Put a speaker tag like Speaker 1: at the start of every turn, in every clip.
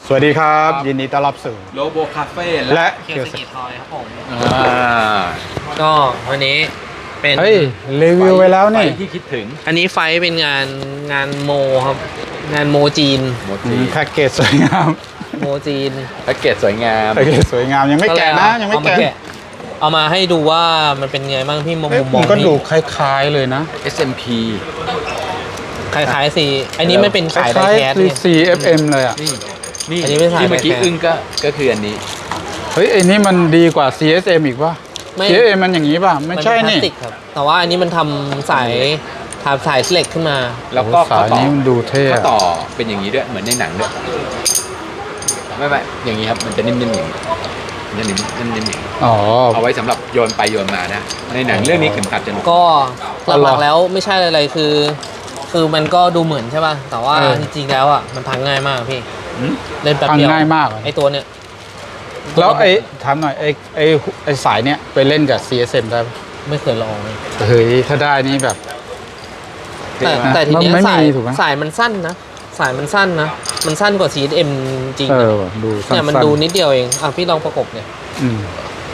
Speaker 1: สวัสดีครับยินดีต้อนรับสู่
Speaker 2: โลโบคาเฟ่
Speaker 1: และ
Speaker 3: เคียวสกิทอยครับผม
Speaker 2: า
Speaker 3: ก็วันนี้เป็น
Speaker 1: เฮ้ยรีวิวไปแล้วนี่
Speaker 2: ไฟที่คิดถึง
Speaker 3: อันนี้ไฟท์เป็นงานโมครับงานโมจีน
Speaker 2: โมจิ
Speaker 1: แพ็กเกจสวยงาม
Speaker 3: โมจีน
Speaker 2: แพ็กเกจสวยงาม
Speaker 1: แพ็กเกจสวยงามยังไม่แกะนะยังไม่
Speaker 3: เอามา
Speaker 1: แกะ
Speaker 3: เอามาให้ดูว่ามันเป็นไงบ้างพี่มุม
Speaker 1: เอ้ย
Speaker 3: ม
Speaker 1: ผ
Speaker 3: อง
Speaker 1: มก็
Speaker 3: พี่
Speaker 1: ดูคล้ายๆเลยนะ
Speaker 2: SMP
Speaker 3: คล้ายๆสีอันนี้ไม่เป็น
Speaker 1: ค
Speaker 3: ขายได
Speaker 1: ล้าย
Speaker 3: แคส
Speaker 1: ๆ
Speaker 3: เนี่ย
Speaker 1: CFM เลยอ่ะ
Speaker 2: นี่
Speaker 3: อันนี้ไม่ใช่
Speaker 2: ที่เมื่อกี้
Speaker 3: แพ็ค
Speaker 2: อึ้งก็คืออันนี้
Speaker 1: เฮ้ยไอ้นี่มันดีกว่า CSM อีกป่ะ
Speaker 3: ไม่
Speaker 1: CSM มันอย่างนี้ป่ะไม่ใช่
Speaker 3: มัเป็
Speaker 1: นี่
Speaker 3: พลาสติกครับแต่ว่าอันนี้มันทำสายเหล็กขึ้นมา
Speaker 2: แล้วก็
Speaker 1: โอ้สายนี้มันดูเท่
Speaker 2: ข้อ
Speaker 1: อะ
Speaker 2: ต่อเป็นอย่างนี้ด้วยเหมือนในหนังด้วยไม่อย่างนี้ครับมันจะนิ่มๆอย่างนี้มันจะนิ่มๆอย่างนี้
Speaker 1: อ๋อ
Speaker 2: เอาไว้สำหรับโยนไปโยนมานะในหนังเรื่องนี้เข็มขัดจะหนุก
Speaker 3: ก็
Speaker 1: อ๋อ
Speaker 3: ห
Speaker 1: เหร
Speaker 3: ลั
Speaker 1: อ
Speaker 3: กๆแล้วไม่ใช่อะไรคือมันก็ดูเหมือนใช่ป่ะแต่ว่า
Speaker 1: เออ
Speaker 3: จริงๆแล้วอ่ะมันพังง่ายมากพี่
Speaker 2: หืม
Speaker 3: เล่นแป๊บ
Speaker 1: ฟัง
Speaker 3: เดียว
Speaker 1: ง่ายมากเลย
Speaker 3: ไอตัวเนี้ย
Speaker 1: แล้วถามหน่อยไอ้สายเนี้ยไปเล่นกับ CSM ได้ปะ
Speaker 3: ไม่เคยลองเลย
Speaker 1: เฮ้ยถ้าได้นี่แบบ
Speaker 3: แต่ทีเนี้ย
Speaker 1: มันไม่
Speaker 3: สาย
Speaker 1: มีถูกไหม
Speaker 3: สายมันสั้นนะสายมันสั้นนะมันสั้นกว่า CSM จริง
Speaker 1: เอ
Speaker 3: นะ
Speaker 1: อว่ะดูสั้นๆ
Speaker 3: เนี่ยมันดูนิดเดียวเองอ่ะพี่ลองประกบเนี่ย
Speaker 1: อืม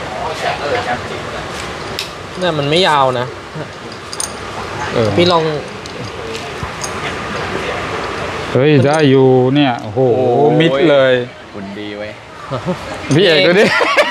Speaker 3: เนี่ยมันไม่ยาวนะ
Speaker 1: เออ
Speaker 3: พี่ลอง
Speaker 1: เฮ้ยได้อยู่เนี่ยโอ้โหมิดเลย
Speaker 2: คุณดีไว้ย
Speaker 1: พี่เอกดูดิ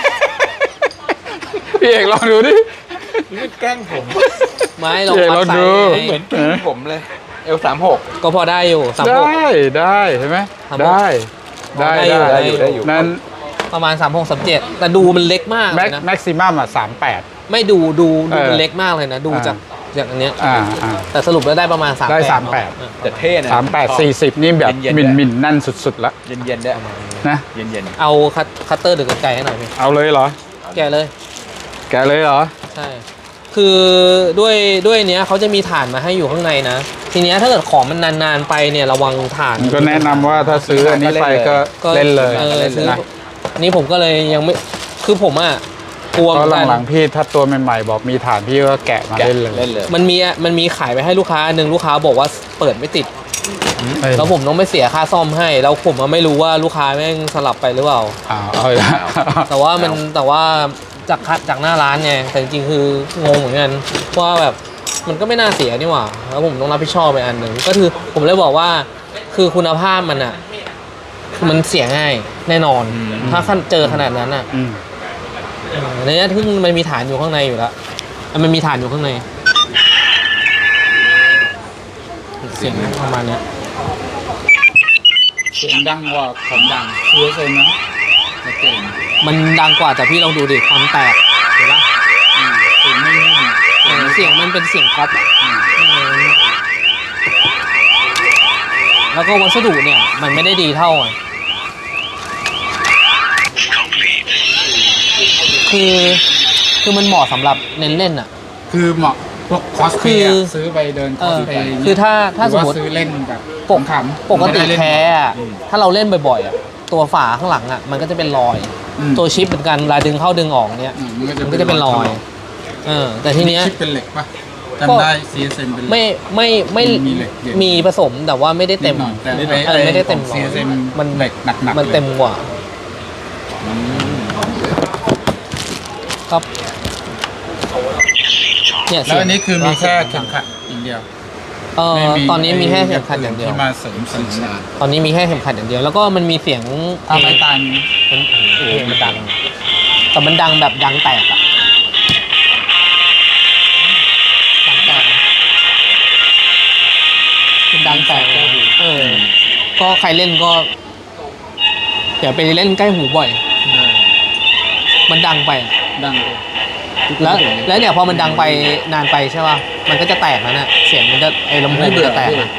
Speaker 1: พี่เอกลองดูดิ
Speaker 2: นี่แกล้งผม
Speaker 3: ไม้ลอง
Speaker 1: เดี๋ยว
Speaker 3: วัด
Speaker 1: เรา
Speaker 3: สาย
Speaker 1: ดู
Speaker 3: ไง
Speaker 2: เหมือนแกล้งผมเลยL36
Speaker 3: ก็พอได้อยู่สาม
Speaker 1: ได
Speaker 3: หก้
Speaker 1: ได้เห็นไหม
Speaker 3: ทำ
Speaker 1: ได้ได้
Speaker 3: ได้อยู่
Speaker 1: นั้น
Speaker 3: ประมาณ36-37แต่ดูมันเล็กมากเลยนะ
Speaker 1: แม็กซิมัมอ่ะ38
Speaker 3: ไม่ดู
Speaker 1: เออ
Speaker 3: มันเล็กมากเลยนะ ดู
Speaker 1: อ่า
Speaker 3: จากอันเนี้ย
Speaker 1: อ่า
Speaker 3: แต่สรุปแล้วได้ประมาณ38
Speaker 1: ได้
Speaker 3: เนอะ
Speaker 1: 38
Speaker 2: แต่เท่นะ
Speaker 1: 38 40นี่แบบ
Speaker 2: เย็นๆ
Speaker 1: มิน
Speaker 2: ด้วย
Speaker 1: มินนั่นสุดๆละ
Speaker 2: เย็นๆด้วย
Speaker 1: นะ
Speaker 2: เย็น
Speaker 3: เอาคัตเตอร์หรือกรรไกรให้หน่อยพี่
Speaker 1: เอาเลยเหรอ
Speaker 3: แกะเลย
Speaker 1: แกะเลยเหรอ
Speaker 3: ใช่คือด้วยเนี้ยเขาจะมีฐานมาให้อยู่ข้างในนะ ทีเนี้ยถ้าเกิดของมันนานๆไปเนี่ยระวังฐาน
Speaker 1: ก็แนะนำว่าถ้าซื้ออันนี้ไปก็เล่นเลย
Speaker 3: ซื้อ
Speaker 1: นะ
Speaker 3: อันนี้ผมก็เลยยังไม่คือผมอ่ะกลัวเห
Speaker 1: เพ
Speaker 3: มือน
Speaker 1: ราะ
Speaker 3: กัน
Speaker 1: หลังๆพี่ถ้าตัวใหม่ๆบอกมีฐานพี่ก็แกะมา
Speaker 2: ๆแกะ
Speaker 1: เล่นเลย
Speaker 2: เล่นเลย
Speaker 3: มันมีขายไปให้ลูกค้าอันหนึ่งลูกค้าบอกว่าเปิดไม่ติด
Speaker 1: เฮ้ย
Speaker 3: แล้วผมต้องไปเสียค่าซ่อมให้ แล้วผมอะไม่รู้ว่าลูกค้าแม่งสลับไปหรือเปล่า
Speaker 1: เอาอีกแล้ว
Speaker 3: แต่ว่าจากหน้าร้านไงแต่จริงๆคืองงเหมือนกันว่าแบบมันก็ไม่น่าเสียนี่หว่าแล้วผมต้องรับผิดชอบไปอันหนึ่งก็คือผมเลยบอกว่าคือคุณภาพมันอ่ะมันเสียง่ายแน่นอน ถ้าเจอขนาดนั้นอ่ะ
Speaker 1: อืม
Speaker 3: ในนี้ทึ่งมันมีฐานอยู่ข้างในอยู่แล้วมันมีฐานอยู่ข้างในเสียงประมาณเนี้ย
Speaker 1: เสียงดังกว่าของดัง CSM นะชัดเจน
Speaker 3: มันดังกว่าแต่พี่ลองดูดิความแตกเห็นปะ
Speaker 1: เสียงไม่นิ่ม
Speaker 3: เสียงมันเป็นเสียงก๊อปอะแล้วก็วัสดุเนี่ยมันไม่ได้ดีเท่าอ่ะคือมันเหมาะสำหรับเน้นเล่นอ่ะ
Speaker 1: คือเหมาะพวกคอสเพ
Speaker 3: คือ
Speaker 1: ย์ซื้อไปเดินคอสเพย์
Speaker 3: คือถ้าสมมติ
Speaker 1: ซื้อเล่นแบบ
Speaker 3: ปก
Speaker 1: ขำๆ
Speaker 3: ปกติ
Speaker 1: ไม่ได้เล่น
Speaker 3: แท้อะถ้าเราเล่นบ่อยๆอ่ะตัวฝาข้างหลังอ่ะมันก็จะเป็นรอย
Speaker 1: อืม
Speaker 3: ตัวชิปเหมือนกันเวลาดึงเข้าดึงออกเนี่ย
Speaker 1: มัน
Speaker 3: มันก็จะเป็นรอยแต่ทีเนี้ย
Speaker 1: ชิปเป็นเหล็กป่ะจำได้ CSM เป็นเหล็ก
Speaker 3: ไม่
Speaker 1: มีเหล็กเย็น
Speaker 3: มีผสมแต่ว่าไม่ได้เต็ม
Speaker 1: นิดหน่อยแต่
Speaker 3: ไม่ได้เต็ม
Speaker 1: ของ CSM
Speaker 3: มัน
Speaker 1: เหล็กหนักๆ
Speaker 3: มันเต็มกว่าครับเนี่ย
Speaker 1: แล้วอันนี้คือมีแค่เข็มขัดอย่างเดียวไม่มี
Speaker 3: ตอนนี้มีแค่เข็มขัดอย่างเดียว
Speaker 1: ที่มาเสริม
Speaker 3: ตอนนี้มีแค่เข็มขัดอย่างเดียว แล้วก็มันมีเสียง
Speaker 1: ถ้าไม้ตายมีไหม
Speaker 3: เพลงมันดังแต่มันดังแบบดังแตกอะดังแตกนะมันดังแตกก็ใครเล่นก็อย่าไปเล่นใกล้หูบ่อย มันดังไปอะ
Speaker 1: ดังเลย
Speaker 3: แล้วเนี่ยพอมันดังไปนานไปใช่ป่ะมันก็จะแตกแล้วน่ะเสียงมันจะไอ้ลำโพงมันจะแตกอะ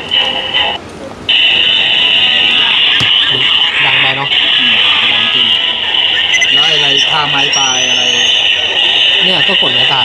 Speaker 3: ดังไปเนาะ
Speaker 1: ดังจริงแล้วอะไรทาไม้ตายอะไร
Speaker 3: เนี่ยก็กดไม่ตาย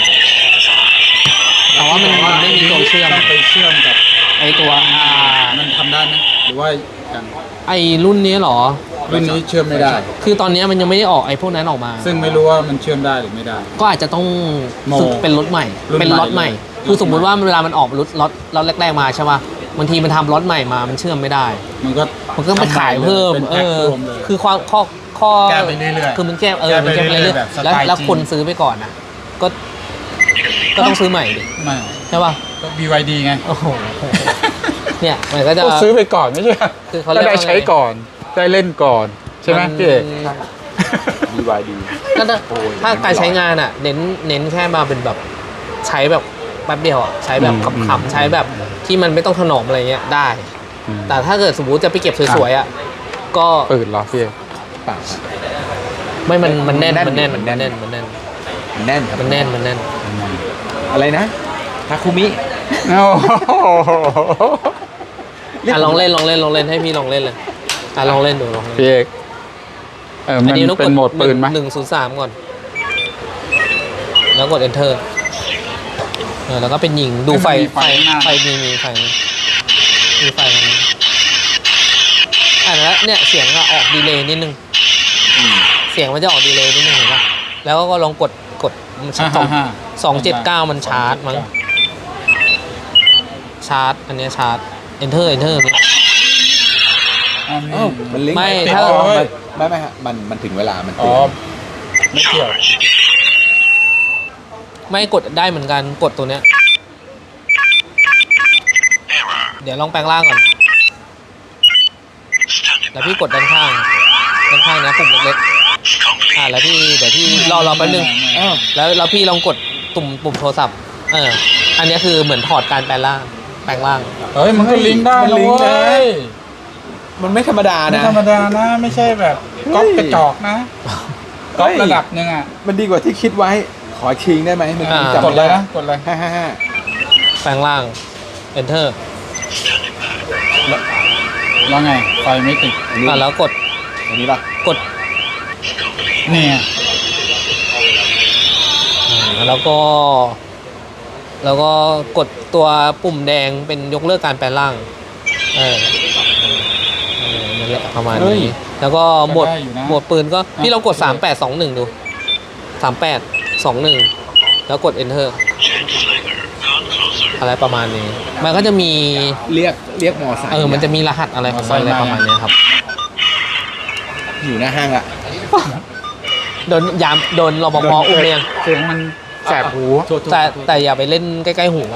Speaker 3: แต่ว่ามันไม่มีตัวเชื่อม
Speaker 1: ต้องไปเชื่อมกับ
Speaker 3: ไอตัว
Speaker 1: มันทำได้ไหมหรือว่ากัน
Speaker 3: ไอรุ่นนี้เหรอ
Speaker 1: รุ่นนี้เชื่อมไม่ได้
Speaker 3: คือตอนนี้มันยังไม่ได้ออกไอพวกนั้นออกมา
Speaker 1: ซึ่งไม่รู้ว่ามันเชื่อมได้หรือไม่ได้
Speaker 3: ก็อาจจะต้อง
Speaker 1: โม
Speaker 3: ซื้อเป็นรถใหม่
Speaker 1: รุ่นใหม่
Speaker 3: เป็นรถใหม่
Speaker 1: เลย
Speaker 3: คือสมมุติว่าเวลามันออกรถแรกๆมาใช่ป่ะบางทีมันทำล็อตใหม่มามันเชื่อมไม่ได้
Speaker 1: มันก็
Speaker 3: มันก็ไปขายเพิ่ม
Speaker 1: เป็นแพ็ครวมเลย
Speaker 3: คือข้อ
Speaker 1: แก้ไปเรื่อยๆ
Speaker 3: คือมันแก้มันแก้ไปเรื่อย
Speaker 1: แบบส
Speaker 3: ๆแล้ว
Speaker 1: ไตล์
Speaker 3: แล้ว
Speaker 1: จีน
Speaker 3: คนซื้อไปก่อนนะก็ต้องซื้อใหม่ดิ
Speaker 1: ไม่
Speaker 3: ใช่ป่ะ
Speaker 1: ก็ BYD ไง
Speaker 3: โอ้โหเนี่ยมันก็จะ
Speaker 1: ก็ซื้อไปก่อนไม่ใช่
Speaker 3: คือเขาเรียก
Speaker 1: ได้
Speaker 3: ว่าไง
Speaker 1: ใช้ก่อนได้เล่นก่อนใช่ไหมพี่เอก
Speaker 2: BYD
Speaker 3: ก็ถ้า
Speaker 2: โอ้ย
Speaker 3: ถ้าการใช้งานอ่ะ เน้นแค่มาเป็นแบบใช้แบบแป๊บเดียวอ่ะใช้แบบขำๆใช้แบบที่มันไม่ต้องถนอมอะไรเงี้ยได้ แต่ถ้าเกิดสมมติจะไปเก็บสวยๆอ่ะก็
Speaker 1: ปืนเหรอพี่เอก
Speaker 2: เปล่า
Speaker 3: ไม่มันแน่น
Speaker 2: มั
Speaker 3: มัน
Speaker 2: น
Speaker 3: แน่
Speaker 2: แน่
Speaker 3: น
Speaker 2: น
Speaker 3: มันแน่นมันแน่น
Speaker 2: มันแน่นครับ
Speaker 3: มันแน่นมันแน่น
Speaker 2: อะไรนะทาคุมิ
Speaker 1: โอ้โห
Speaker 3: ลองเล่นให้พี่ลองเล่นเลยลองเล่นดูลองเล่น
Speaker 1: พี่เอกมัน
Speaker 3: ต้อง
Speaker 1: เป็นโหมดปืนไหม
Speaker 3: 103ก่อน แล้วกด enter แล้วก็เป็นยิงดูไฟมีไฟมีไฟตรงนี้แล้วเนี่ยเสียงก็ออกดีเลย์นิดนึงเสียงมันจะออกดีเลย์นิดนึงเห็นปะแล้วก็ลองกด279มันชาร์จมั้งชาร์จอันเนี้ยชาร์จ enter
Speaker 2: มันลิงก์
Speaker 3: ไม่
Speaker 2: ติด
Speaker 3: ถ้า
Speaker 2: อ๋อไม่ฮะมันถึงเวลามัน
Speaker 1: อ๋
Speaker 2: เตื
Speaker 1: อ
Speaker 2: อน
Speaker 1: ไม่เกี่ยว
Speaker 3: ไม่กดได้เหมือนกันกดตัวเนี้ยเดี๋ยวลองแปลงร่างก่อนแล้วพี่กดด้านข้างนะปุ่มเล็กๆแล้วพี่เดี๋ยวพี่รอแป๊บนึงแล้วพี่ลองกดปุ่มโทรศัพท์อันนี้คือเหมือนถอดการแปลงร่าง
Speaker 1: เฮ้ยมันก็ลิงก์ได้นะเว้ย
Speaker 2: มันไม่ธรรมดา
Speaker 1: ไม่
Speaker 2: นะ
Speaker 1: ธรรมดานะไม่ใช่แบบก๊อปกระจอกนะก๊อประดับนึงอ่ะ
Speaker 2: มันดีกว่าที่คิดไว้ขอชิงได้ไหมเมื่อกี้จำ
Speaker 1: กด
Speaker 2: ไม่
Speaker 1: เล
Speaker 2: ได้
Speaker 1: ยนะกดเลย
Speaker 2: 555
Speaker 3: แปลงร่าง enter
Speaker 1: แล้วไงไฟไม่ติด
Speaker 2: อันนี้
Speaker 3: แล้วกด
Speaker 2: อันนี้ป่ะ
Speaker 3: กด
Speaker 1: เนี่ย
Speaker 3: แล้วก็กดตัวปุ่มแดงเป็นยกเลิกการแปลงร่างนั่นแหละประมาณนี้แล้วก็หมวดปืนก็พี่ลองกด3821ดู3821แล้วกด enter อะไรประมาณนี้มันก็จะมี
Speaker 2: เรียกมอไซค์
Speaker 3: มันจะมีรหัสอะไรของมันอะไรประมาณนี้ครับ
Speaker 2: อยู่หน้าห้างอะ
Speaker 3: โดนรปภอุ้มเรียง
Speaker 1: เสียงมันแสบหู
Speaker 3: แต่อย่าไปเล่นใกล้ๆหู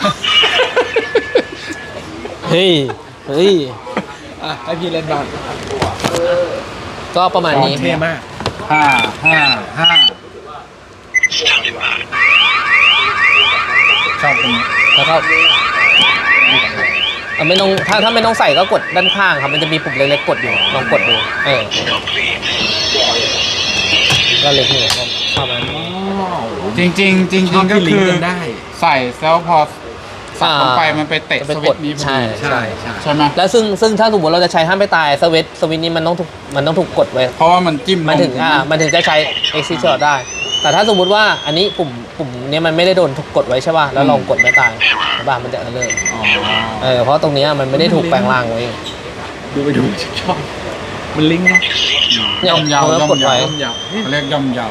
Speaker 3: เฮ้ย
Speaker 2: ให้พี่เล่นบ้าง
Speaker 3: ก็ประมาณนี้
Speaker 2: เท่มาก
Speaker 1: 5 ชอบตรงนี้
Speaker 3: แล้วก็ไม่ต้องถ้าไม่ต้องใส่ก็กดด้านข้างครับมันจะมีปุ่มเล็กๆกดอยู่ลองกดดูก็เล็กนี่ประมาณนี้
Speaker 1: จริงก็คือใส่แล้วพอสับลงไปมันไปเตะสวิตช์นี้พอดีใช่ไหม
Speaker 3: แล้วซึ่งถ้าสมมติเราจะใช้ห้ามไปตายสวิตช์นี้มันต้องถูกกดไว้
Speaker 1: เพราะว่ามันจิ้ม
Speaker 3: มันถึงจะใช้ exit shot ได้ แต่ถ้าสมมุติว่าอันนี้ปุ่มเนี้ยมันไม่ได้โดนถูกกดไว้ใช่ป่ะแล้วลองกดไม่ตายบ้ามันจะเลิกเพราะตรงเนี้ยมันไม่ได้ถูกแปลงร่างไว้
Speaker 2: ดูชอบมันลิงก์นะ
Speaker 1: ย่อมเยา
Speaker 3: แล้วกดไว้
Speaker 1: เขาเรียกย่อมเยา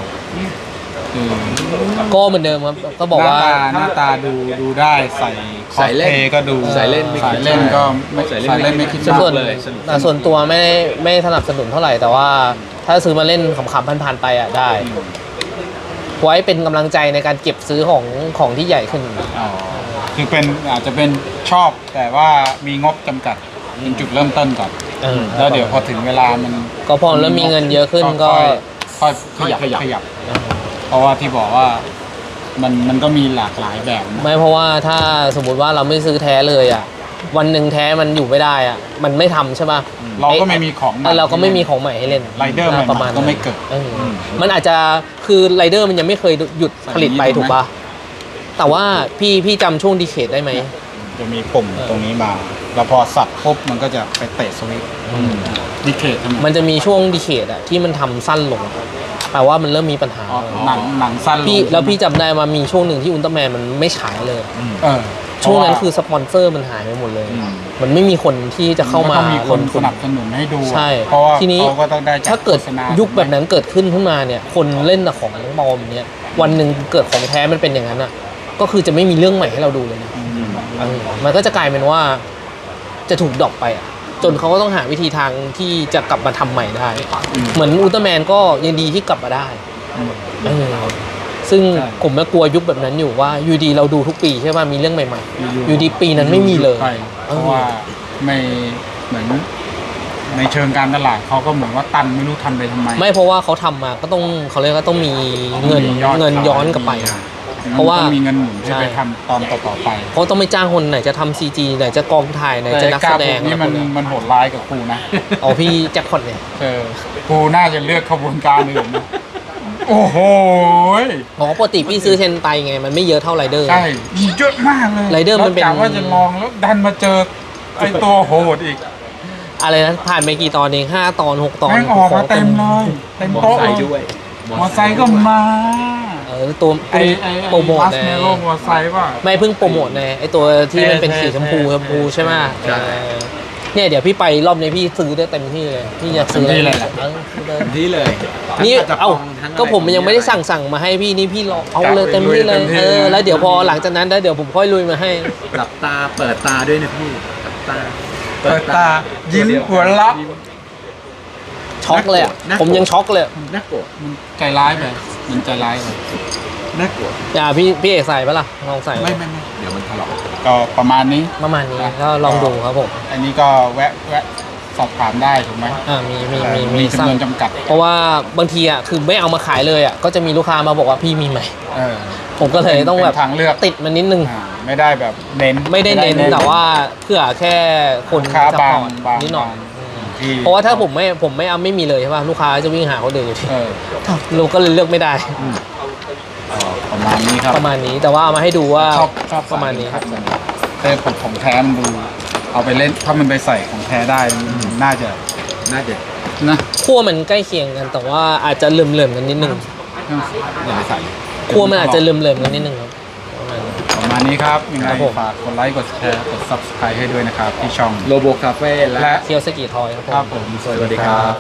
Speaker 3: ก็เหมือนเดิมครับก็บอกว่า
Speaker 1: หน้าตาดูได้ใส่คอสเพลย์ก็ดู
Speaker 2: ใส่เล่น
Speaker 1: ก็ไม่ใส่เล่นไม่คิดมาก
Speaker 3: ส่วนตัวไม่สนับสนุนเท่าไหร่แต่ว่าถ้าซื้อมาเล่นขำๆผ่านๆไปอ่ะได้ ไว้เป็นกำลังใจในการเก็บซื้อของที่ใหญ่ขึ้น
Speaker 1: คือเป็นอาจจะเป็นชอบแต่ว่ามีงบจำกัดเป็นจุดเริ่มต้นก่อนแล้วเดี๋ยวพอถึงเวลามัน
Speaker 3: ก็พอแล้วมีเงินเยอะขึ้นก็
Speaker 1: ค่อยขยับเพราะว่าที่บอกว่ามันก็มีหลากหลายแบบนะ
Speaker 3: ไม่เพราะว่าถ้าสมมุติว่าเราไม่ซื้อแท้เลยอ่ะวันหนึ่งแท้มันอยู่ไม่ได้อ่ะมันไม่ทำใช่ป่ะ
Speaker 1: เราก็ไม่มีของใหม่
Speaker 3: เราก็ไม่มีของใหม่ให้เล่น
Speaker 1: ไรเดอร์ใหม่
Speaker 3: ประมาณ
Speaker 1: ก็ไม่เกิด
Speaker 3: มันอาจจะคือไรเดอร์มันยังไม่เคยหยุดผลิตไปถูกป่ะแต่ว่าพี่จำช่วงดีเคทได้ไหม
Speaker 1: จะมีปุ่มตรงนี้มาแล้วพอสับปุ๊บมันก็จะไปเตะสวิตช์ดีเคททำไม
Speaker 3: มันจะมีช่วงดีเคทอ่ะที่มันทำสั้นลงแปลว่ามันเริ่มมีปัญหา
Speaker 1: หนังสั้นลง
Speaker 3: พี่จำได้ว่ามีช่วงหนึ่งที่อุลตร้าแมนมันไม่ฉายเลย ช่วงนั้นคือสปอนเซอร์มันหายไปหมดเลย มันไม่มีคนที่จะเข้ามา
Speaker 1: มีคนสนับสนุนให้ดู
Speaker 3: ใช่
Speaker 1: เพราะว่า
Speaker 3: ทีนี้
Speaker 1: เขาก็ต้องได้
Speaker 3: ถ้าเกิดยุคแบบนั้นเกิดขึ้นมาเนี่ยคนเล่นแต่ของปลอมเนี่ยวันหนึ่งเกิดของแท้มันเป็นอย่างนั้นอ่ะก็คือจะไม่มีเรื่องใหม่ให้เราดูเลยนะมันก็จะกลายเป็นว่าจะถูกดรอปไปอ่ะจนเขาก็ต้องหาวิธีทางที่จะกลับมาทำใหม่ได้
Speaker 1: อืม
Speaker 3: เหมือนอุลตร้าแมนก็ยังดีที่กลับมาได้
Speaker 1: อืม
Speaker 3: เออซึ่ง
Speaker 1: ใช่
Speaker 3: ผมก็กลัวยุคแบบนั้นอยู่ว่ายูดีเราดูทุกปีใช่ป่ะมีเรื่องใหม่ๆยูดีปีนั้นไม่มีเลย
Speaker 1: ใช่เพราะว่าไม่เหมือนในเชิงการตลาดเขาก็เหมือนว่าตันไม่รู้ทำไปทำไม
Speaker 3: ไม่เพราะว่าเขาทำมาก็ต้องเขาเรียกว่าต้องมีเงิน
Speaker 1: มียอด
Speaker 3: เงินย้อนกลับไป
Speaker 1: มี
Speaker 3: เพราะว่า
Speaker 1: ต้องมีเงินหมุน
Speaker 3: ใช่
Speaker 1: ที่ไปทำตอนต่อๆไป
Speaker 3: เพราะต้องไม่จ้างคนไหนจะทำซีจีไหนจะกองถ่ายไหนจะนักแสดง
Speaker 1: นี่
Speaker 3: อะไรพ
Speaker 1: มั
Speaker 3: วน กเนี้ย
Speaker 1: มันโหดร้ายกับครูนะ
Speaker 3: เอาพี่แจ็คพอตเนี่ย
Speaker 1: ครูน่าจะเลือกขบวนการอื่นนะโอ้โห
Speaker 3: เพราะปกติพี่ซื้อเทนไตไงมันไม่เยอะเท่าไรเดอร์
Speaker 1: ใช่มีเยอะมากเลย
Speaker 3: ไรเดอร์มันเป็น
Speaker 1: กะว่าจะลองแล้วดันมาเจอไอตัวโหดอีก
Speaker 3: อะไรนะผ่านไปกี่ตอนเอง5 ตอน 6 ตอน
Speaker 1: แม่งออกมาเต็มเลยเต็ม
Speaker 2: มอ
Speaker 1: โต๊ะ
Speaker 2: ไซ
Speaker 1: เลย
Speaker 2: ค์ด้วย
Speaker 1: มอไซค์ก็มา
Speaker 3: ตัว
Speaker 1: ไอ
Speaker 3: โปรโมท
Speaker 1: บัส
Speaker 3: ไง
Speaker 1: เมโลมอไซค์ป่ะ
Speaker 3: ไม่เพิ่งโปรโมทไงไอตัวที่มันเป็นสีชมพูใช่ไหม
Speaker 2: ใช่
Speaker 3: เนี่ยเดี๋ยวพี่ไปรอบนี้พี่ซื้อได้เต็มที่เลยพี่อยากซื้ออะไรซื้อเลย
Speaker 2: ที่เลย
Speaker 3: นี่
Speaker 2: ทั้งกระ
Speaker 3: เอ้า
Speaker 2: ป๋งทั้งอะร
Speaker 3: ก็ผมยังไม่ได้สั่งมาให้พี่นี่พี่รอเอาเลยเต็มที่เลยแล้วเดี๋ยวพอหลังจากนั้นแล้วเดี๋ยวผมค่อยลุยมาให้
Speaker 2: หลับตาเปิดตาด้วยนะพี่หลับตา
Speaker 1: เปิดตายิ้มหัวเราะ
Speaker 3: ช็อกเลยอ่ะ
Speaker 2: น่ากลัว
Speaker 3: ผมยังช็อกเลย
Speaker 2: น่ากลัว
Speaker 1: มันใจร้ายไปมันใจร้ายไป
Speaker 2: น่ากลัว
Speaker 3: อย่าพี่เอกใส่ปะล่ะลองใส่
Speaker 2: ไม่เดี๋ยวมันถลอก
Speaker 1: ก็ประมาณนี้
Speaker 3: ประมาณนี้ก็ลองดูครับผม
Speaker 1: อันนี้ก็แวะสอบถามได้ถูกไหม
Speaker 3: มี
Speaker 1: จำ
Speaker 3: สั่
Speaker 1: น
Speaker 3: ง
Speaker 1: วนจำกัด
Speaker 3: เพราะว่าบางทีอ่ะคือไม่เอามาขายเลยอ่ะก็จะมีลูกค้ามาบอกว่าพี่มีไหม
Speaker 1: เออ
Speaker 3: ผมก็เลยต้องแบบ
Speaker 1: เป็นทางเลือก
Speaker 3: ติดมันนิดนึง
Speaker 1: ไม่ได้แบบเน้น
Speaker 3: ไม่ได้เน้นแต่ว่าเพื่อแค่คน
Speaker 1: ลูกค้า
Speaker 3: ซัพ
Speaker 1: บาง
Speaker 3: พอร์ต
Speaker 1: บาง
Speaker 3: นิดหน่อย
Speaker 1: ที่
Speaker 3: เพราะว่าถ้าผมไม่เอาไม่มีเลยใช่ป่ะลูกค้าจะวิ่งหาคนอื่นอยู่ที่
Speaker 1: เออ
Speaker 3: เราก็เลยเลือกไม่ได้
Speaker 1: ประมาณนี้ครับ
Speaker 3: ประมาณนี้แต่ว่าเอามาให้ดูว่า
Speaker 1: ชอบ
Speaker 3: ประมาณนี้
Speaker 1: ครับแต่ผมของแท้มันดู เอาไปเล่นถ้ามันไปใส่ของแท้ได้น่าจะ
Speaker 2: น่าจะ
Speaker 1: นะ
Speaker 3: ขั้วมันใกล้เคียงกัน แต่ว่าอาจจะเหลื่อมๆกันนิดนึง
Speaker 2: อย่าไปใส่
Speaker 3: ขั้วมันอาจจะเหลื่อมๆกันนิดนึงครับประมาณนี้
Speaker 1: ประมาณนี้ครับยังไง
Speaker 3: ครับผม
Speaker 1: ฝากกดไลค์กดแชร์กด subscribe ให้ด้วยนะครับที่ช่อง
Speaker 2: โลโบคาเฟ่และ
Speaker 1: และ
Speaker 3: เคียวสกีทอยครับผม
Speaker 1: ครับผม
Speaker 2: สวัสดีครับ